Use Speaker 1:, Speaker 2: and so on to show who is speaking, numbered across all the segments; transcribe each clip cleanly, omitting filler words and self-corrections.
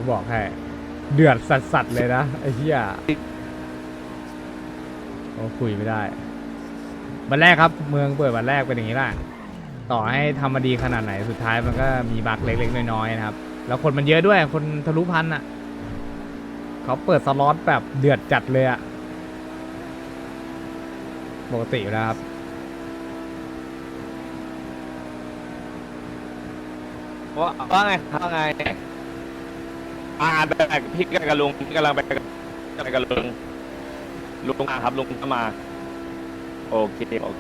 Speaker 1: บอกให้เดือดสัสๆเลยนะไอ้เหี้ยโอ้คุยไม่ได้วันแรกครับเมืองเปิดวันแรกเป็นอย่างนี้แหละต่อให้ทำมาดีขนาดไหนสุดท้ายมันก็มีบั๊กเล็กๆน้อยๆนะครับแล้วคนมันเยอะด้วยคนทะลุพันอ่ะเขาเปิดสล็อตแบบเดือดจัดเลยอ่ะปกติอยู่แล้วครับ
Speaker 2: ว่าไงแบกพี่กับลุงพี่กำลังไปกับลุงมาครับลุงก็มาโอเค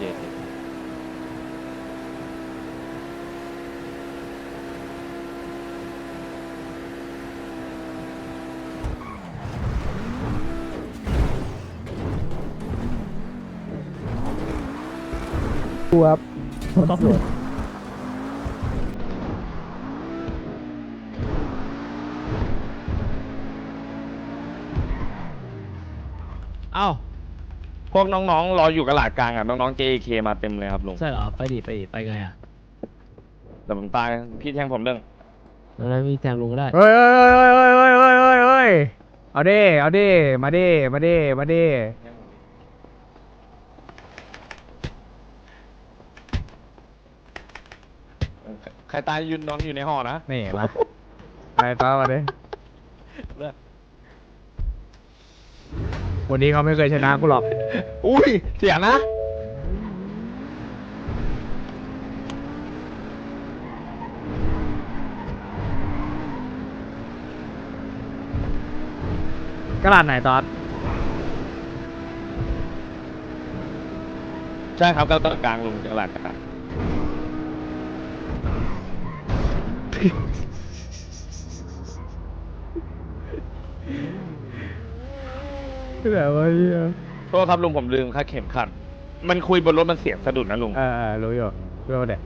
Speaker 1: ครับ
Speaker 3: เอ้า
Speaker 2: พวกน้องๆรออยู่กระหลาดกลางอ่ะน้องๆ JK มาเต็มเลยครับลุง
Speaker 3: ใช่เหรอ ไปดิไปไงอ่ะ
Speaker 2: แต่ผมตายพี่แทงผมเรื่อง
Speaker 3: แล้วมีแทงลุงก็ได้
Speaker 1: เฮ้ยเอาดิมาดิ
Speaker 2: ใครตายยืนนอนอยู่ในห่อนะ
Speaker 1: นี่มาไปต่อมาดิวันนี้เขาไม่เคยชนะกูหรอก
Speaker 2: อุ้ยเสียนะ
Speaker 1: กระดาษไหนตอด
Speaker 2: ใช่ครับกระหลาดกลางลุงกระหลาดกลาง
Speaker 1: แต่ว่าเหี้ย
Speaker 2: โทษครับลุงผมลืมค่าเข็มขัดมันคุยบนรถมันเสียงสะดุดนะลุง
Speaker 1: รู้อยู่รู้เด็ก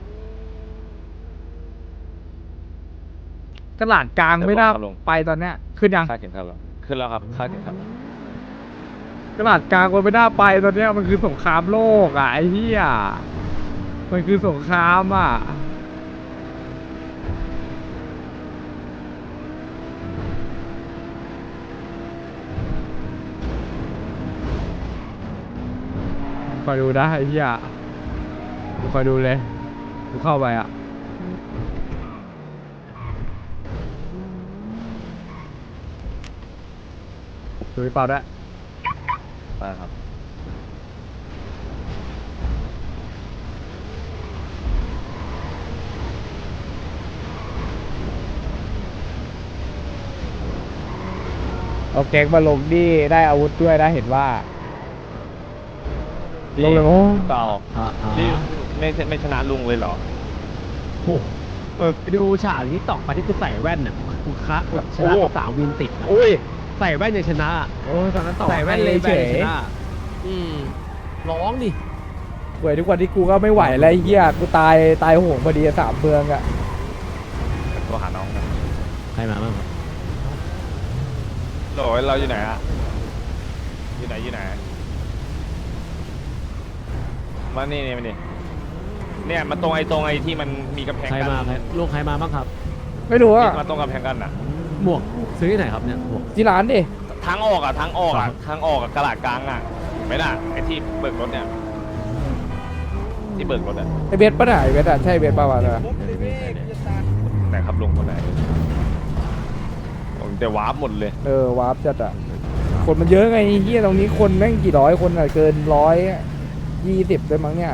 Speaker 1: ตลาดกลางไม่น่าไปตอนเนี้ยขึ้นยัง
Speaker 2: ค่าเข็มขัดแล้วขึ้นแล้วครับค่าเข็มขัด
Speaker 1: ตลาดกลางมันไม่น่าไปตอนเนี้ยมันคือสงครามโลกอ่ะไอ้เหี้ยมันคือสงครามอ่ะคอยดูนะไอ้เหี้ยกูคอยดูเลยกูเข้าไปอ่ะดูไปเปล่าด้วย
Speaker 2: มาครับ
Speaker 1: เอาเก๊กมาลงนี่ได้อาวุธด้วยนะเห็นว่าลงเลยโอ้
Speaker 2: เปล่า
Speaker 3: อ่า
Speaker 2: นี่ไม่ชนะลุงเลยเหรอ
Speaker 3: โอ้ไปดูฉากที่ตอกไปที่กูใส่แว่นน่ะกูคะแบบชนะ
Speaker 2: โอ้
Speaker 3: 3 วินติดอะ
Speaker 2: อุ้ย
Speaker 3: ใส่แว่นยังชนะ
Speaker 1: โอ้ตอนนั้นต่อ
Speaker 3: ใส่แว่นเลย
Speaker 1: เฉย
Speaker 3: ชนะร้องดิ
Speaker 1: เว้ยทุกวันที่กูก็ไม่ไหวแล้วไอ้เหี้ยกูตายโหงพอดีอะ3เมืองอ่ะ
Speaker 2: โทรหาน้องนะ
Speaker 3: ใครมาบ้างครับ
Speaker 2: โหลเราอยู่ไหนอะอยู่ไหนมานี่มานี่เนี่ยมาตรงไอ้ที่มันมีกำแพง
Speaker 3: ใคร
Speaker 2: กัน
Speaker 3: มาลูกใครมาบ้างครับ
Speaker 1: ไม่รู้อ่ะ
Speaker 2: มาตรงกำแพงกันอ่ะ
Speaker 3: หมวกซื้อที่ไหนครับเนี่ยหมวก
Speaker 1: ที่ร้านดิ
Speaker 2: ทางออกกระหลาดกลางอ่ะเห็นไหมล่ะไอ้ที่เบิกรถเนี่ยที่เบิกรถอ่ะ
Speaker 1: ไอเบสป่ะน่ะไอเบสอ่ะใช่เบสป่าวะเนี่ย
Speaker 2: ไหนครับลุงคนไหนผมแต่วาร์ปหมดเลย
Speaker 1: วาร์ปจัดอ่ะคนมันเยอะไงไอ้เหี้ยตรงนี้คนแม่งกี่ร้อยคนอ่ะเกิน120ด้วยมั้งเนี่ย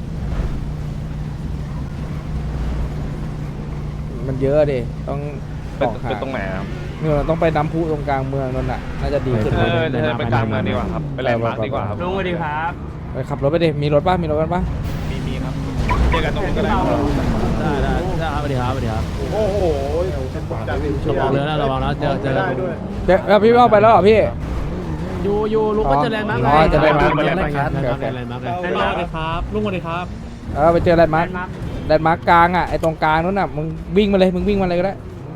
Speaker 1: มันเยอะดิต้อง
Speaker 2: เป็นตรงไหนครับ
Speaker 1: เนี่ยต้องไปน้ำพุตรงกลางเมืองนั่นน่ะน่าจะดีขึ้น
Speaker 2: เดินไปกลางเมืองดีกว่าครับไปแลนด์มาร์คดีกว่าครับ
Speaker 4: ลุงสวัสดีครับ
Speaker 1: ไปขับรถไปดิมีรถป่ะมีรถกันป่ะ
Speaker 2: มีครับเจอกันตรงนู้นก็ได้
Speaker 3: ได้ครับสวัสดีครับ
Speaker 4: โอ้โห
Speaker 3: ระวังเลยนะระวังนะเจอกัน
Speaker 1: เดี๋ยวพี่เอาไปแล้วเหรอพี่
Speaker 3: อยู่ลุงก็เจอแลนด์มาร์ค
Speaker 1: อ๋อเจอแลนด์มาร์ค
Speaker 3: แลนด์มาร์คครับลุงสวัสดีครับ
Speaker 1: ไปเจอแลนด์มาร์คกลางอ่ะไอตรงกลางนู้นน่ะมึงวิ่งมาเลยมึงวิ่งมาเลยก็ได้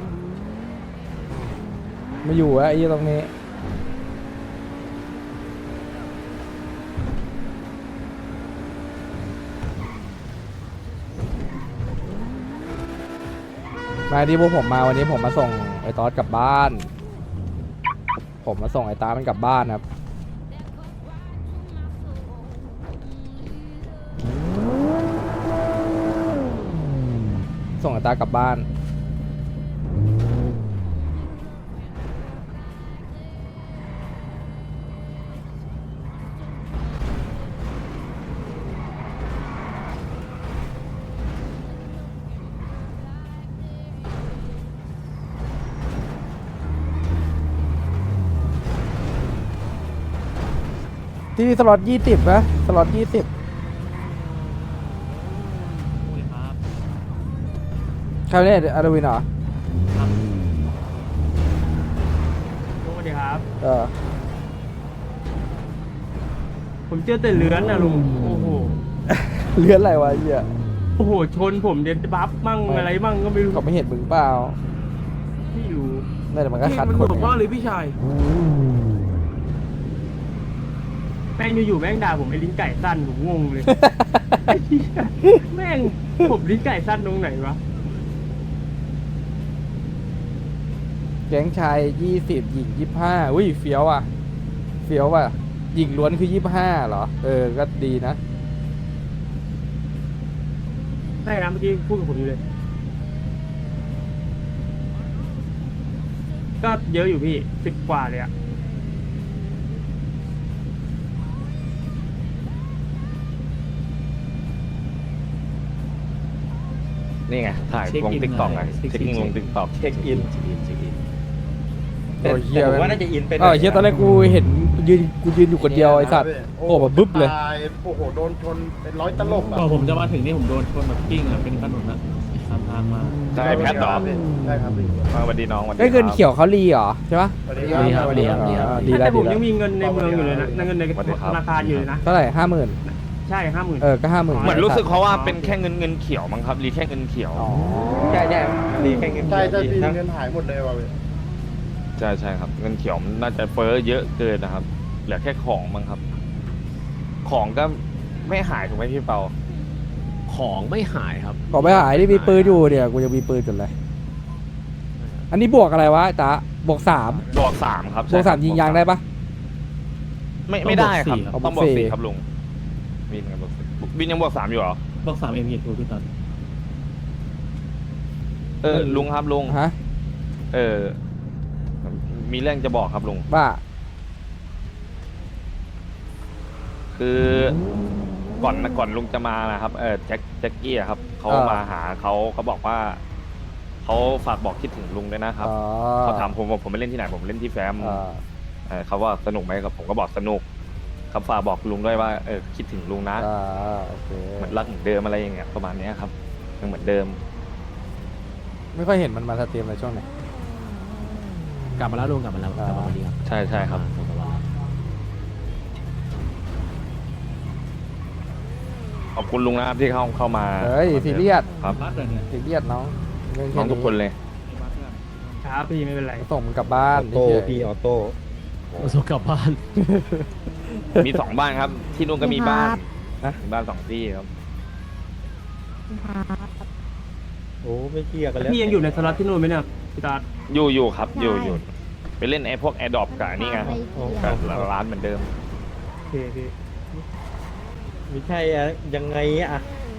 Speaker 1: มาอยู่อะไอ้ตรงนี้ มาที่พวกผมมาวันนี้ผมมาส่งไอ
Speaker 4: อ้ตอดกลับบ้าน ผมมาส่งไอ้ตามันกลับบ้านครับส่งไอ้ตากลับบ้านที่สล็อต20นะสล็อต20ใครเนี่ยอาร์วินเหรอ
Speaker 3: สวัสดีครับ
Speaker 4: เออ
Speaker 3: ผมเจอแต่เลื้อนนะลุง โอ้โห
Speaker 4: เลื่อนอะไรวะไอ้เหี้ย
Speaker 3: โอ้โห ชนผมเด็ดบัฟมั่งอะไรมั่งก็ไม่รู้
Speaker 4: เขาไม่เห็นมึงเปล่า
Speaker 3: ไม่รู้
Speaker 4: นั่นแหละมันก็คัด
Speaker 3: มัน
Speaker 4: คน
Speaker 3: หัว
Speaker 4: ไง
Speaker 3: พ่อเลยพี่ชาย แม่งอยู่ๆแม่งด่าผมไอ้ลิ้นไก่สั้นผมงงเลย ไอ้เหี้ยแม่งผมลิ้นไก่สั้นตรงไหนวะ
Speaker 4: แก๊งชาย20หญิง25อุ้ยเฟี้ยวอ่ะเฟี้ยวอ่ะหญิงล้วนคือ25เหรอเออก็ดีนะ
Speaker 3: ใช่นะเมื่อกี้พูดกับผมอยู่เลย ก็เยอะอยู่พี่10 กว่าเลยอะ
Speaker 2: นี่ไงถ่ายลงติ๊กต็อกไงเช็คอินลงติ๊กต็อก
Speaker 5: เช็คอิน
Speaker 4: โอ้ยเหี้ย
Speaker 5: แต่ผมว่าน่าจะอินเป็น
Speaker 4: เออเฮียตอนแรกกูเห็นยืนอยู่คนเดียวไอ้สัตว์โอ้แบบบึ๊บเลย
Speaker 6: ตายโอ้โหโดนชนเป็นร้อยตลบอ่ะ
Speaker 7: พอผมจะมาถึงนี่ผมโดนชนแบบกิ้งอ่ะเป็นถนนอ่ะตามทางมา
Speaker 2: ใช่แพทย์เหรอ
Speaker 6: ใช่ครับพี่
Speaker 2: มาสวัสดีน้องสวัสดี
Speaker 4: ได้เงิน
Speaker 2: ครับ
Speaker 4: เขียวเขารีเหรอใช่ปะ
Speaker 6: สวัสดีครับ
Speaker 7: ดีครับ
Speaker 4: ดีแล้
Speaker 3: แต่
Speaker 4: ว
Speaker 3: ผ
Speaker 4: ดี
Speaker 3: ม
Speaker 4: แล้ว
Speaker 3: ยังมีเงินในเมืองอยู่เลยนะเงินในธนาคารอยู่เลยนะ
Speaker 4: เท่าไหร่50,000
Speaker 3: ใช่50,000
Speaker 4: เออก็50,000
Speaker 2: เหมือนรู้สึกเขาว่าเป็นแค่เงินเขียวมั้งครับรีแค่เงินเขียว
Speaker 4: อ๋อ
Speaker 5: ใช่ใช่ดีแค่เงิน
Speaker 6: ใช่ใช่
Speaker 5: ดี
Speaker 6: พี่
Speaker 5: นะ
Speaker 6: เงินหายหมดเลยว่ะพี่
Speaker 2: ใช่ใช่ครับ เงินเขียวมันน่าจะเฟ้อเยอะเกินนะครับ เหลือแค่ของมั้งครับ ของก็ไม่หายถูกไหมพี่เปา
Speaker 7: ของไม่หายครับ
Speaker 4: บอกไม่หายที่มีปืนอยู่เนี่ยกูยังมีปืนจนเลยอันนี้บวกอะไรวะไอ้ตาบวก3
Speaker 2: บวกสามครับ
Speaker 4: บวก3ยิงยางได้ปะ
Speaker 2: ไม่ได้ครับ
Speaker 4: ต้
Speaker 2: ต้
Speaker 4: อ
Speaker 2: อง ง
Speaker 4: บบ ว
Speaker 2: ว
Speaker 4: ก
Speaker 2: ก
Speaker 4: สี่
Speaker 2: สี่ครับลุงบินกับบวกสี่บินยังบวกสามอยู่เหรอ
Speaker 7: บอก3 M ทูพี่ตอน
Speaker 2: ลุงครับลุง
Speaker 4: ฮะ
Speaker 2: มีเรื่องจะบอกครับลุง
Speaker 4: บ้า
Speaker 2: คือก่อนลุงจะมานะครับแจ็คกี้อะครับเขามาหาเขาบอกว่าเขาฝากบอกคิดถึงลุงด้วยนะครับ
Speaker 4: อ๋อ
Speaker 2: เขาถามผมว่าผมไปเล่นที่ไหนผมเล่นที่แฟม เขาว่าสนุกไหมครับผมก็บอกสนุกเขาฝากบอกลุงด้วยว่าคิดถึงลุงนะ
Speaker 4: โอเค
Speaker 2: เหมือนรักเหมือนเดิมอะไรอย่างเงี้ยประมาณเนี้ยครับยังเหมือนเดิม
Speaker 4: ไม่ค่อยเห็นมันมาสตรีมในช่วงไหน
Speaker 7: กลับมาแล้วลุงกลับมาแล้วกลับมาวันนี้ครับ
Speaker 2: ใช่ครับ
Speaker 7: กลับมาแล้ว
Speaker 2: ขอบคุณลุงนะครับที่เข้ามา
Speaker 4: เฮ้ยซีเรียส
Speaker 2: ครับ
Speaker 7: บัสเลยเนี่ย
Speaker 4: ซีเรียสน้องเรื่อง
Speaker 2: น้
Speaker 4: แค่
Speaker 2: องทุกคนเลย
Speaker 3: ครับพี่ไม่เป็นไร
Speaker 4: ส่งมันกลับบ้า
Speaker 5: อน อโต้
Speaker 4: เฉยๆ
Speaker 5: พี่ออโต้
Speaker 7: ส่งกลับบ้าน
Speaker 2: มี2 บ้านครับ ที่นู่นก็มีบ้าน
Speaker 4: นะ
Speaker 2: มีบ้าน2 ที่ครับ
Speaker 5: โอ้ไม่เกี่ยวกันแล้ว
Speaker 3: พี่ยังอยู่ในสล็อตที่นู่นไหมเนี่ยพี่ตา
Speaker 2: อยู่ครับอยู่ไปเล่นไอ้พวกแอร์ดรอปกับอันนี่ไงกับร้านเหมือนเดิม
Speaker 3: โอเคพี่
Speaker 5: ไม่ใช่อะยังไงอะ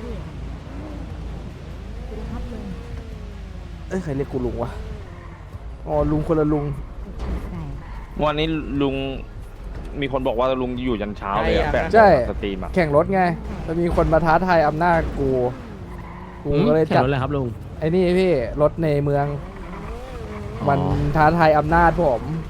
Speaker 4: เอ้ยใครเรียกกูลุงวะอ๋อลุงคนละลุง
Speaker 2: วันนี้ลุงมีคนบอกว่าลุงอยู่ยันเช้าเลยอะแบบ
Speaker 4: ใช่
Speaker 2: สตรีมอะ
Speaker 4: แข่งรถไงจะมีคนมาท้าทายอำนาจกูก็เลย
Speaker 7: แข่
Speaker 4: จั
Speaker 7: ง
Speaker 4: ด
Speaker 7: รถเลยครับลุง
Speaker 4: ไอ้นี่พี่รถในเมือง มันท้าทายอำนาจผม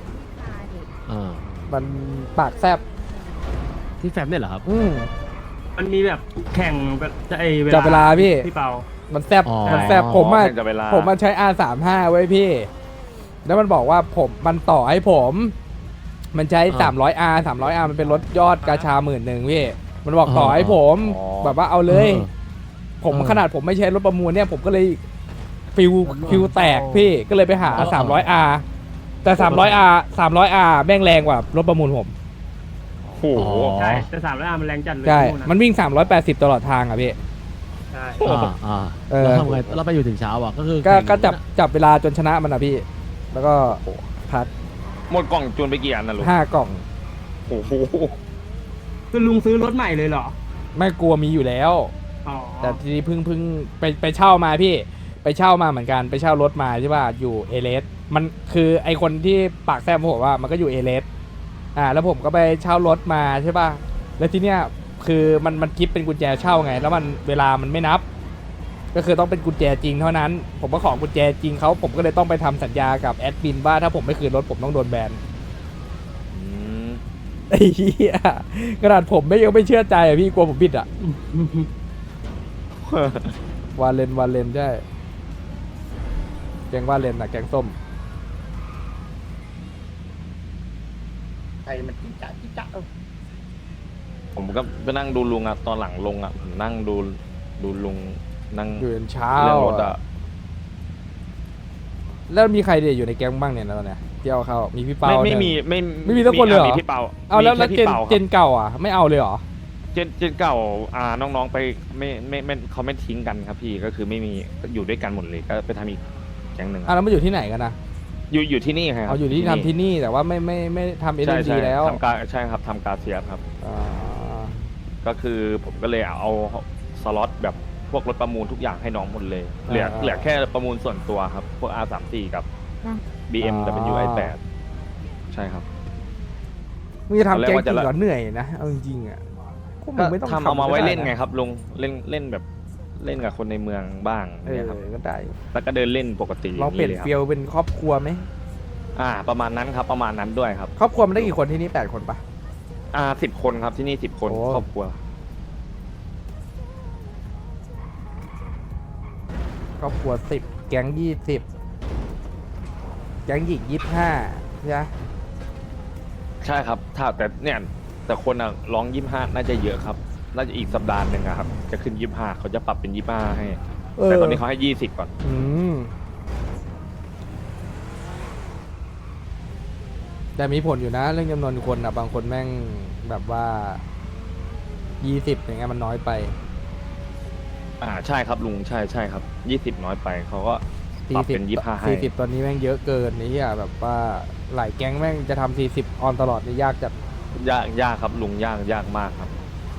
Speaker 4: มันปากแซบ
Speaker 7: ที่แฟมเนี่ยเหรอครับ
Speaker 3: มันมีแบบแข่งแบบจะ
Speaker 4: จับเวลาพี่
Speaker 3: พี่เปา
Speaker 4: มันแซบ
Speaker 7: อ๋อ
Speaker 4: มันแซบผมอะ
Speaker 2: แข่งกับเวลา
Speaker 4: ผมมันใช้ R35 ไว้พี่ แล้วมันบอกว่ามันต่อให้ผม มันใช้ 300R 300R มันเป็นรถยอดกาชา10,000พี่ มันบอกต่อให้ผม แบบว่าเอาเลย ผมขนาดผมไม่ใช้รถประมูลเนี่ย ผมก็เลยฟิวแตกพี่ ก็เลยไปหา 300R แต่ 300R แม่งแรงกว่ารถประมูลผม
Speaker 2: โอ้โห
Speaker 3: ใช่แต่300Rมันแรงจัดเลย
Speaker 4: ใช่
Speaker 3: ที่นู่ะ
Speaker 4: มันวิ่ง 380 ตลอดทางอ่ะพี่
Speaker 3: ใช่
Speaker 4: เออ
Speaker 7: แล้วทำไงเราไปอยู่ถึงเช้าอ่ะก็คือ
Speaker 4: ก็จับเวลาจนชนะมันอ่ะพี่แล้วก็พัด
Speaker 2: หมดกล่องจูนไปกี่อันนะลุง
Speaker 4: 5 กล่อง
Speaker 2: โอ้โห
Speaker 3: คือลุงซื้อรถใหม่เลยเหรอ
Speaker 4: ไม่กลัวมีอยู่แล้ว
Speaker 3: อ๋อ
Speaker 4: แต่ทีนี้เพิ่งไปเช่ามาพี่ไปเช่ามาเหมือนกันไปเช่ารถมาใช่ป่ะอยู่เอเลสมันคือไอคนที่ปากแซมผมว่ามันก็อยู่เอเลสแล้วผมก็ไปเช่ารถมาใช่ป่ะแล้วทีเนี้ยคือมันคิดเป็นกุญแจเช่าไง แล้วมันเวลามันไม่นับ ก็คือต้องเป็นกุญแจจริงเท่านั้น ผมก็ขอกุญแจจริงเขาผมก็เลยต้องไปทำสัญญากับแอดมินว่าถ้าผมไม่คืนรถผมต้องโดนแบน
Speaker 2: อืม
Speaker 4: ไอ้เหี้ยขนาดผมยังไม่เชื่อใจอ่ะพี่กลัวผมผิดอ่ะ วาเลนใช่แกงวาเลนอะแกงส้ม
Speaker 6: ใครมันจิ๊กจ๊ะจิ๊กจ๊ะ
Speaker 2: ผมก็ไปนั่งดูลุงอะตอนหลังลงอะผมนั่งดูลุงนั่ง
Speaker 4: อยู่จนเช้า
Speaker 2: เรื่องรถอะ
Speaker 4: แล้วมีใครเดี๋ยวอยู่ในแก๊งบ้างเนี่ยตอนเนี้ยที่เอาเขามีพี่เปา
Speaker 2: ไม่
Speaker 4: เนี่ย
Speaker 2: ไม่มี
Speaker 4: สักคนเลยเหรอ
Speaker 2: มีพี่เปา
Speaker 4: เอาแล้ว
Speaker 2: มีค่
Speaker 4: เจ
Speaker 2: พี่
Speaker 4: น
Speaker 2: ปาครับ
Speaker 4: เจนเก่าอ่ะไม่เอาเลยเหรอ
Speaker 2: เจนเก่าน้องๆไปไม่เขาไม่ทิ้งกันครับพี่ก็คือไม่มีอยู่ด้วยกันหมดเลยก็ไปทำอีกแก๊งหนึ่ง
Speaker 4: แล้วมาอยู่ที่ไหนกันนะ
Speaker 2: อยู่ที่นี่ครับ
Speaker 4: เอาอยู่ที่ทำที่นี่แต่ว่าไม่ทำเอ็น
Speaker 2: ใช่
Speaker 4: ดี
Speaker 2: ใช่
Speaker 4: แล้ว
Speaker 2: ทำการใช่ครับทำการเสียครับ
Speaker 4: อ่า
Speaker 2: ก็คือผมก็เลยเอาสล็อตแบบพวกรถประมูลทุกอย่างให้น้องหมดเลย เหลือแค่ประมูลส่วนตัวครับ พวก R34 กับ BMW i8 ใช่ครับ
Speaker 4: มึงจะทำแก๊งจริง
Speaker 2: ตอนแรกว่าจะ
Speaker 4: เหรอเหนื่อยนะเอาจริงๆอ่ะพวกมึ
Speaker 2: ก็
Speaker 4: งไม่ต้อง
Speaker 2: ทำเอามาไว้
Speaker 4: ก็ด้
Speaker 2: เล่นไง
Speaker 4: ะ
Speaker 2: ครับลุงเล่นแบบเล่นกับคนในเมืองบ้าง
Speaker 4: เอ
Speaker 2: เนี่ย
Speaker 4: อ
Speaker 2: ครับ
Speaker 4: ก็ได้
Speaker 2: แล้วก็เดินเล่นปกติ
Speaker 4: ลองเปลี่ยน
Speaker 2: าง
Speaker 4: เฟีลเป็นครอบครัวไหม
Speaker 2: ประมาณนั้นครับประมาณนั้นด้วยครับ
Speaker 4: ครอบครัวมันได้กี่คนที่นี่8 คนปะ
Speaker 2: 10 คนครับที่นี่10 คน
Speaker 4: โอ้
Speaker 2: ครอบครัว
Speaker 4: ครอบครัว10แก๊ง20แก๊งหญิง25ใช่ไหม
Speaker 2: ใช่ครับถ้าแต่คนร้อง25น่าจะเยอะครับน่าจะอีกสัปดาห์หนึ่งอะครับจะขึ้น25เขาจะปรับเป็น25ให้แต่ตอนนี้เขาให้20ก่อน
Speaker 4: อืมแต่มีผลอยู่นะเรื่องจำนวนคนบางคนแม่งแบบว่า20อย่างเงี้ยมันน้อยไป
Speaker 2: ใช่ครับลุงใช่ครับ20น้อยไปเขาก็ปรับเป็น25ให้
Speaker 4: 40ตอนนี้แม่งเยอะเกินนี่อะแบบว่าหลายแก๊งแม่งจะทำ40ออนตลอดนี่ยากจัด
Speaker 2: ยากครับลุงยากมากครับ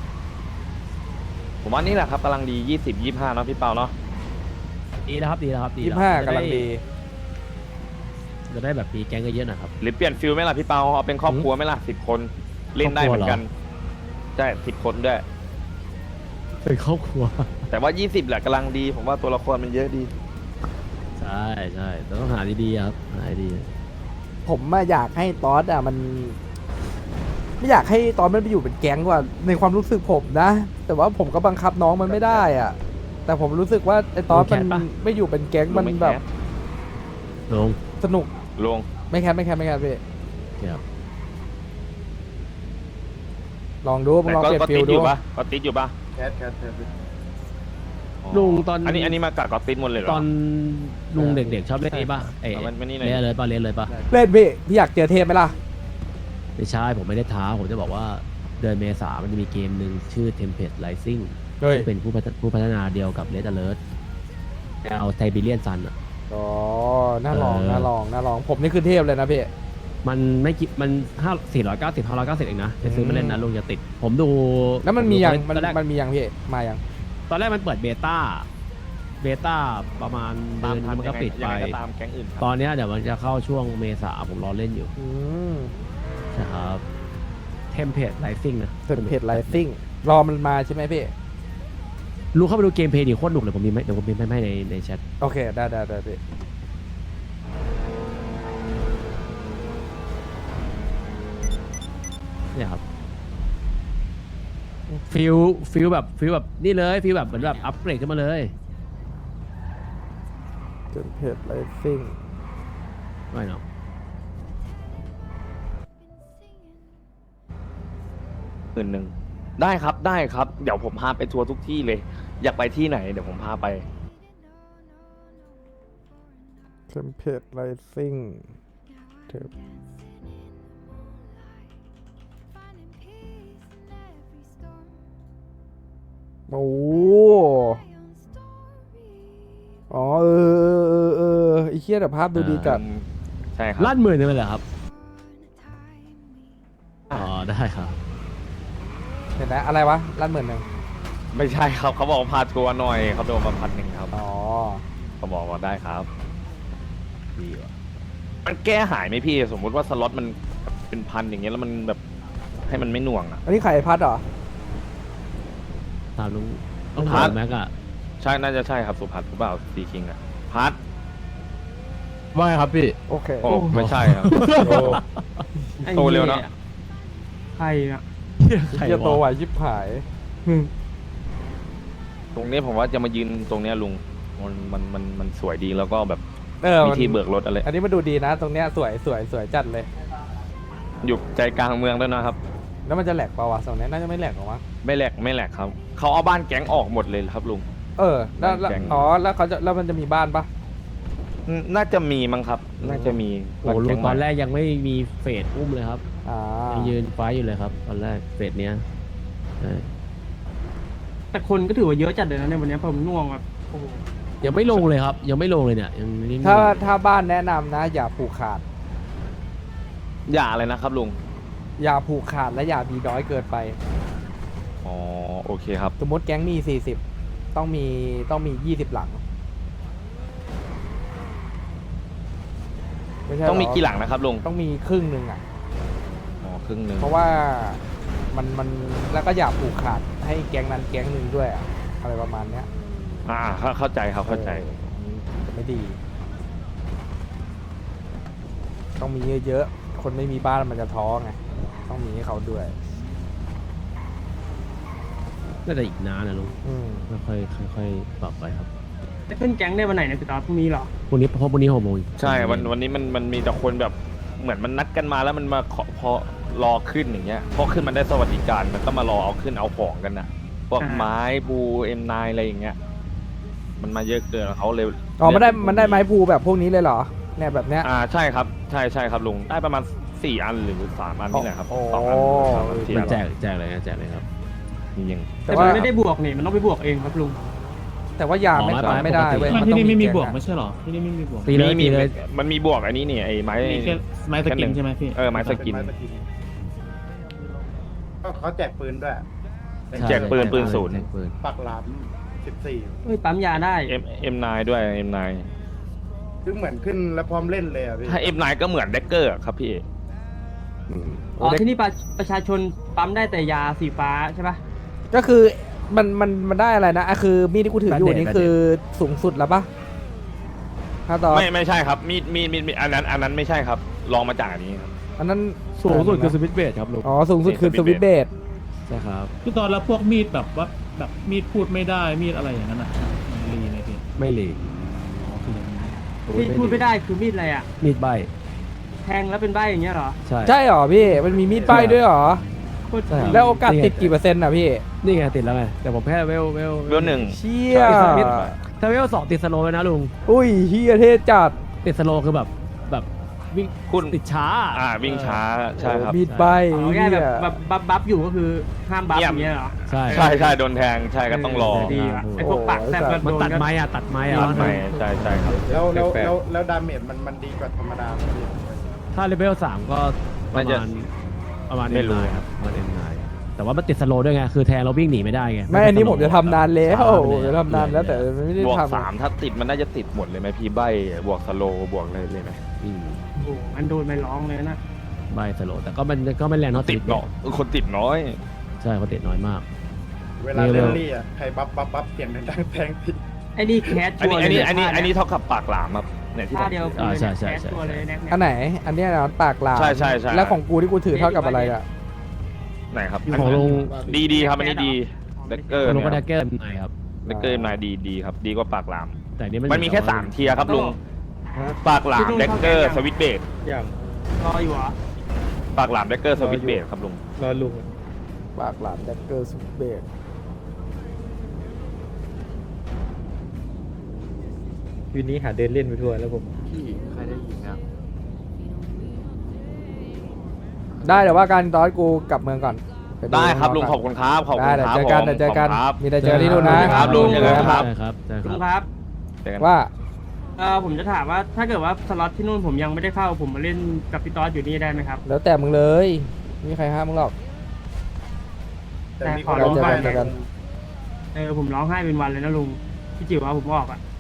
Speaker 2: ผมว่านี่แหละครับกำลังดี20-25เนาะพี่เปาเนาะ
Speaker 8: ดีแล้วครับดีแล้วครับดีแล้ว
Speaker 4: 25กำลังดี
Speaker 8: จะได้แบบมีแก๊งเยอะๆหนะครับ
Speaker 2: หรือเปลี่ยนฟิลไหมล่ะพี่เปาเอาเป็นครอบครัวไหมล่ะ10 คนเล่นได้เหมือนกันใช่10 คนด้วย
Speaker 8: เป็นครอบครัว
Speaker 2: แต่ว่า20แหละกำลังดีผมว่าตัวละครมันเยอะดี
Speaker 8: ใช่ใช่แต่ต้องหาดีๆครับหาดี
Speaker 4: ผมอยากให้ตอสมันไม่อยากให้ตอสมันไปอยู่เป็นแก๊งว่าในความรู้สึกผมนะ แต่ว่าผมก็บังคับน้องมันไม่ได้อ่ะ แต่ผมรู้สึกว่าไอ้ตอสมันไม่อยู่เป็นแก๊งมันแบบ
Speaker 8: ลง
Speaker 4: สนุก
Speaker 2: ลง
Speaker 4: ไม่แคปพี่
Speaker 8: ครับ
Speaker 4: ลองดูมึง
Speaker 2: แต่
Speaker 4: ลอง
Speaker 2: ก็
Speaker 4: เปลี่ยน
Speaker 2: ก็
Speaker 4: ฟิ
Speaker 2: ติ
Speaker 4: ล
Speaker 2: ดอ
Speaker 4: ดู
Speaker 2: ยู่ปะก็ติดอยู่ปะ
Speaker 6: แคทแคท
Speaker 8: ลุงตอน
Speaker 2: อันนี้มากัดก็ติดหมดเลยเหรอ
Speaker 8: ตอนลุงเด็กๆชอบเล่นนี่ป่ะเอ้ย
Speaker 2: เอามันนี่หน่อย
Speaker 8: เล่นเลยป่ะเล่นเลยป่ะ
Speaker 4: เล่นพี่อยากเจอเทพไหมล่ะ
Speaker 8: ไม่ใช่ผมไม่ได้ท้าผมจะบอกว่าเดือนเมษามันจะมีเกมหนึ่งชื่อ Tempest Rising
Speaker 4: เฮ้ย
Speaker 8: ซึ่งเป็นผู้พัฒนาเดียวกับ Red Alert เอาไทบีเลียนซันอ่ะ
Speaker 4: อ๋อน่าลอง
Speaker 8: เออ
Speaker 4: น่าลองผมนี่คือเทพเลยนะพี่
Speaker 8: มันไม่กี่มัน490 590เองนะไปซื้อมาเล่นนะลุงจะติด ผมดู
Speaker 4: แล้วมันมียัง
Speaker 8: ตอนแรก
Speaker 4: มันมียังพี่มายัง
Speaker 8: ตอนแรกมันเปิดเบต้าประมามาณเดือนนึงมันก็ปิด
Speaker 2: ยั
Speaker 8: ไป
Speaker 2: งไงก็ตามแก๊งอื่นครับ
Speaker 8: ตอนเนี้ยเดี๋ยวมันจะเข้าช่วงเมษาผมรอเล่นอยู่
Speaker 4: อืม
Speaker 8: นะครับเทมเพลตไลซิ่งนะ
Speaker 4: เสร็จเพจไลซิ่งรอมันมาใช่ไหมพี่
Speaker 8: รู้เข้าไปดูเกมเพลย์ดิโคตรหนุกเลยผมมีไหมเดี๋ยวผมพิมพ์ให้ในแชท
Speaker 4: โอเคได้พี่
Speaker 8: เนี่ยครับฟิลแบบนี่เลยฟิลแบบเหมือนแบบอัปเกรดขึ้นมาเลย
Speaker 4: เสร็จเพจไลซิ่ง
Speaker 8: ไม่เนาะ
Speaker 2: 1,000ได้ครับเดี๋ยวผมพาไปทัวร์ทุกที่เลย อยากไปที่ไหนเดี๋ยวผมพาไป
Speaker 4: เสร็จเพจไลซิ่งเทปโอ้อ๋อไอ้เคี้ยแต่ภาพดูดีจัด
Speaker 2: ใช่ครับ
Speaker 8: ลั่นหมื่นนึงเลยเหรอครับอ๋อได้ครับ
Speaker 4: เห็นไหมอะไรวะล้านหมื่นหนึ่ง
Speaker 2: ไม่ใช่ครับเขาบอกว่าพาตัวหน่อยเขาโดนมา1,000ครับ
Speaker 4: อ๋อ
Speaker 2: เขาบอกว่าได้ครับ
Speaker 8: ดีว่ะ
Speaker 2: มันแก้หายไหมพี่ สมมุติว่าสล็อตมันเป็น1,000อย่างเงี้ยแล้วมันแบบให้มันไม่หน่วงอ่ะ
Speaker 4: อันนี้ไข่พัดเหรอ
Speaker 8: ตามลุงต้อง
Speaker 2: ครั
Speaker 8: ถาม
Speaker 2: บ
Speaker 8: แม็กอะ
Speaker 2: ใช่น่าจะใช่ครับสุพัฒน์หรือเปล่าซีคิงอ่ะพัท
Speaker 7: ว่าไงครับพี่
Speaker 4: โอเค
Speaker 2: โอ้ไม่ใช่ครับ
Speaker 3: ไอ้
Speaker 2: โตเร็วเนอะ
Speaker 3: ใครอ่ะ
Speaker 8: ใคร
Speaker 4: เฮียโต
Speaker 8: วะ
Speaker 4: ไหวชิบหาย
Speaker 2: ตรงนี้ผมว่าจะมายืนตรงเนี้ยลุงมันสวยดีแล้วก็แบบ
Speaker 4: เออ
Speaker 2: มี
Speaker 4: มัน
Speaker 2: ที่เบิกรถอะไร
Speaker 4: อันนี้มาดูดีนะ ตรงเนี้ยสวยสวยสวยจัดเลย
Speaker 2: อยู่ใจกลางเมืองด้วยนะครับ
Speaker 4: แล้วมันจะแหลกเปล่าวะตรงเนี้ยน่าจะไม่แหลกหรอกมั้ง
Speaker 2: ไม่แหลกครับเขาเอาบ้านแก๊งออกหมดเลยครับลุง
Speaker 4: เออแล้วแล้ว
Speaker 2: แกง
Speaker 4: อ๋อแล้วเขาจะแล้วมันจะมีบ้านปะ
Speaker 2: น่าจะมีมั้งครับ น่าจะมี
Speaker 8: โอ้โหลุ
Speaker 2: บ้าน
Speaker 8: ง
Speaker 2: แก๊
Speaker 8: ตอน
Speaker 2: ใหม่
Speaker 8: แรกยังไม่มีเฟดอุ้มเลยครับ
Speaker 4: อ่า
Speaker 8: ยังยืนไฟท์อยู่เลยครับ ตอนแรกเฟดเนี้ยใช่
Speaker 3: แต่คนก็ถือว่าเยอะจัดเลยนะในวันนี้ผมง่วงแบบโอ้โห
Speaker 8: ยังไม่ลงเลยครับ ยังไม่ลงเลยเนี่ยยังนิ่งๆ
Speaker 4: ถ้าบ้านแนะนำนะ อย่าผูกขาด
Speaker 2: อย่าอะไรนะครับลุง
Speaker 4: อย่าผูกขาดและอย่ามีน้อยเกินไป
Speaker 2: อ๋อโอเคครับ
Speaker 4: สมมติแก๊งมี40ต้องมี20หลังไใช่
Speaker 2: ต้องมี
Speaker 4: เร
Speaker 2: กี่หลังนะครับลุง
Speaker 4: ต้องมีครึ่งหนึ่งอ่ะ
Speaker 2: อ๋อครึ่งหนึ่ง
Speaker 4: เพราะว่ามันแล้วก็อย่าผูกขาดให้แก๊งนั้นแก๊งหนึ่งด้วยอะอะไรประมาณเนี้ย
Speaker 2: เข้าใจครับเข้าใจ
Speaker 4: จะไม่ดี ต้องมีเยอะๆคนไม่มีบ้านมันจะท้อไงต้องมีให้เขาด้วย
Speaker 8: น่าจะอีกนานนะลุง
Speaker 4: อืม
Speaker 8: ค่อยๆค่อยๆปรับไปครับ
Speaker 3: จะขึ้นแก๊งได้วันไหนเนี่ยพี่ต๊อดพรุ่งนี้เหรอ
Speaker 8: พรุ่งนี้เพราะพรุ่งนี้6 โมง
Speaker 2: ใช่วันนี้มันมีแต่คนแบบเหมือนมันนัดกันมาแล้วมันมาขอพอรอขึ้นอย่างเงี้ยพอขึ้นมันได้สวัสดิการมันก็มารอเอาขึ้นเอาของกันน่ะพวก
Speaker 3: อ่า
Speaker 2: ไม้บูM9อะไรอย่างเงี้ยมันมาเยอะเกินเขาเลย
Speaker 4: อ๋อมันได้ไม้ภูแบบพวกนี้เลยเหรอเนี่ยแบบเนี้ย
Speaker 2: ใช่ครับใช่ครับลุงได้ประมาณ4 อันหรือ3 อันนี่แหละครับ
Speaker 4: โอ้
Speaker 2: 2 อัน3 อัน4
Speaker 8: มั
Speaker 2: อั
Speaker 8: น
Speaker 2: น
Speaker 8: แจกเลยนะแจกเลยครับ
Speaker 2: จริง
Speaker 3: แต่มันไม่ได้บวกนี่มันต้องไปบวกเองครับลุง
Speaker 4: แต่ว่ายาไม่
Speaker 8: อ๋อ
Speaker 4: ทำไม่ได้เว้ย
Speaker 7: ไม่
Speaker 4: มัน
Speaker 7: ที่
Speaker 4: ต้อง
Speaker 7: นี่ไม่มี
Speaker 4: แก๊ง
Speaker 7: บวก
Speaker 4: อะ
Speaker 7: ไม่ใช่เหรอ ที่นี่ไม่มีบวก
Speaker 2: ๆ
Speaker 8: ตีเลย
Speaker 2: มี
Speaker 8: ตีเลย
Speaker 2: มันมีบวกอันนี้นี่ไอ้ไม้
Speaker 7: มีแค่ไม้สกินใช่ไหมพี่
Speaker 2: ไม้สกิน
Speaker 6: ก็เขาแจกปืนด้วย
Speaker 2: แจกปืนปืนศูนย์
Speaker 8: แจกปืน
Speaker 6: ปักหลาม14
Speaker 3: เฮ้ยปั๊มยาได้
Speaker 2: M9 ด้วย M9
Speaker 6: คือเหมือนขึ้นแล้วพร้อมเล่นเลยอ่ะพี่
Speaker 2: ถ้า M9 ก็เหมือนเด็กเกอร์ครับพี่
Speaker 3: อ๋อที่นี่ประชาชนปั๊มได้แต่ยาสีฟ้าใช่ปะ
Speaker 4: ก็คือมันได้อะไรนะอ่ะคือมีดที่กูถืออยู่นี่คือสูงสุดแล้วปะถ้าตอน
Speaker 2: ไม่ใช่ครับมีดอันนั้นไม่ใช่ครับลองมาจากอันนี้ครับ
Speaker 4: อันนั้น
Speaker 8: สูงสุดคือสวิตช์เบสครับลุง
Speaker 4: อ๋อสูงสุดคือสวิตช์เบส
Speaker 8: ใช่ครับ
Speaker 7: พี่ตอนแล้วพวกมีดแบบว่าแบบมีดพูดไม่ได้มีดอะไรอย่างนั้นอ่ะมันรีไหมพี่
Speaker 8: ไม่หลีก
Speaker 7: อ๋อคืออย่างนี้
Speaker 3: ที่พูดไม่ได้คือมีดอะไรอ่ะ
Speaker 8: มีดใบ
Speaker 3: แทงแล้วเป็นใบอย่างเงี้ยเหรอ
Speaker 8: ใช่
Speaker 4: ใช่เหรอพี่มันมีมีดป้ายด้วยเหรอ
Speaker 3: โคตร
Speaker 8: ใช่ครับ
Speaker 4: แล้วโอกาสติดกี่เปอร์เซ็นต์อ่ะพี่
Speaker 8: นี่ไงติดแล้วไงแต่ผมแพ้เวล
Speaker 2: เวลหนึ่ง
Speaker 4: เชี่ย
Speaker 8: ถ้าเวล2ติดสโลว์เลยนะลุง
Speaker 4: อุ้ยเฮียเท่จัด
Speaker 8: ติดสโลว์คือแบบวิ่ง
Speaker 2: คุณ
Speaker 8: ติดช้า
Speaker 2: วิ่งช้าใช่ครับ
Speaker 4: มีดใบ
Speaker 3: อ๋อ
Speaker 4: เฮี
Speaker 3: ง่าย
Speaker 4: ย
Speaker 3: แบบบัฟอยู่ก็คือห้ามบัฟอย่างเงี้ยเหรอ
Speaker 8: ใช่
Speaker 2: ใช่โดนแทงใช่ก็ต้องรอ
Speaker 3: ดีว่ะไอ้พวกปากแซ่บก็
Speaker 8: มัน
Speaker 3: โดน
Speaker 8: ตัด
Speaker 3: ก็
Speaker 8: ไม้อะตัดไม้อะ
Speaker 2: ตัดไม้ใช่ครับ
Speaker 6: แล้วดาเมจมันดีกว่าธรรมดาไหมพี่
Speaker 8: ถ้าเลเวล3ก็ประมาณ
Speaker 2: ไม่รู้
Speaker 8: M9 ครับประมาณ M9 แต่ว่ามันติดสโลว์ด้วยไงคือแทงเราวิ่งหนีไม่ได้ไง
Speaker 4: ไม่อันนี้ผมจะทำนานแล้ว
Speaker 8: ช้าไปเลย
Speaker 4: จะทำนานแล้วแต่ไม่ได้
Speaker 2: บวก
Speaker 4: ทำ
Speaker 2: 3ถ้าติดมันน่าจะติดหมดเลยไหมพี่ใบบวกสโลบวกอะไรเลยไหม
Speaker 8: อืม
Speaker 3: โอ้โหมันโดนไม่ร้องเลยนะ
Speaker 8: ใบสโลว์แต่ก็มันก็ไม่แรงเท่า
Speaker 2: ติดเนาะคนติดน้อย
Speaker 8: ใช่เขาติดน้อยมาก
Speaker 6: เวลาเล่นลี่อ่ะใครบัฟเสียงดังๆแทงผิด
Speaker 3: ไอ้นี่แคส
Speaker 2: อัน
Speaker 3: ชัว
Speaker 2: นี้
Speaker 3: ร์
Speaker 2: อัน
Speaker 3: เลย
Speaker 2: นี้อันนี้เท่ากับปากหลามครับเนี่ยที่ผ
Speaker 3: ท่าม เดียวกันเลย
Speaker 8: ใช่
Speaker 3: นะ
Speaker 8: ใช่
Speaker 3: แคส
Speaker 8: ใช่
Speaker 3: ชัวร์เลยแน็กเนี่ย
Speaker 4: อันไหน อันเนี้ยนะปากหลาม
Speaker 2: ใช่
Speaker 4: แล้วของกูที่กูถือเท่ากับอะไรอ่ะ
Speaker 2: ไหนครับ
Speaker 8: ของลุง
Speaker 2: ดีครับอันนี้ดีเด็กเกอร์
Speaker 8: ของลุง
Speaker 2: เนี่
Speaker 8: ก็
Speaker 2: ย
Speaker 8: ได้แก้ไหนครับ
Speaker 2: เด็กเกอร์นายดีครับดีกว่าปากหลาม
Speaker 8: แต่นี่
Speaker 2: มันมีแค่3 เทียร์ครับลุงปากหลามเด็กเกอร์สวิตเบด
Speaker 6: อย่าง
Speaker 3: รออยู่เหรอ
Speaker 2: ปากหลามเด็กเกอร์สวิตเบดครับลุง
Speaker 6: รอลุง
Speaker 4: ปากหลามแดกเกอร์สุดเบสวันนี้หาเดินเล่นไปทั่วแล้วผม
Speaker 6: พี่ใครได้ยินนะ
Speaker 4: ได้แต่ว่าการตอนกูกลับเมืองก่อนป
Speaker 2: ได้ครับลุง
Speaker 4: น้
Speaker 2: ขอบคุณครับขอบ
Speaker 4: ได้
Speaker 2: คุณ
Speaker 4: เดี๋ยว
Speaker 2: ครับ
Speaker 4: เจอกัน
Speaker 2: ผม
Speaker 4: เดี๋ยวเจอกัน
Speaker 2: ขอบคุณครับ
Speaker 4: มีแต่เจอที่นู่นนะครับ
Speaker 2: ลุงเจอกันครับ
Speaker 8: ใช่ครับใช่ค
Speaker 3: ลุ
Speaker 8: รับ
Speaker 3: งครับ
Speaker 2: เจอกัน
Speaker 4: ว่า
Speaker 3: ผมจะถามว่าถ้าเกิดว่าสล็อตที่นู่นผมยังไม่ได้เข้าผมมาเล่นกับพี่ตอสอยู่นี่ได้ไหมครับ
Speaker 4: แล้วแต่มึงเลยไม่มีใครห้ามมึงหรอก
Speaker 6: แต่มี
Speaker 3: ข
Speaker 6: ค
Speaker 3: อน
Speaker 6: ร้อง
Speaker 3: ลง
Speaker 6: ไห้
Speaker 3: ไป
Speaker 6: นะ
Speaker 3: ผมร้องไห้เป็นวันเลยนะลุงพี่จิ๋วว่าผมออกอ่ะ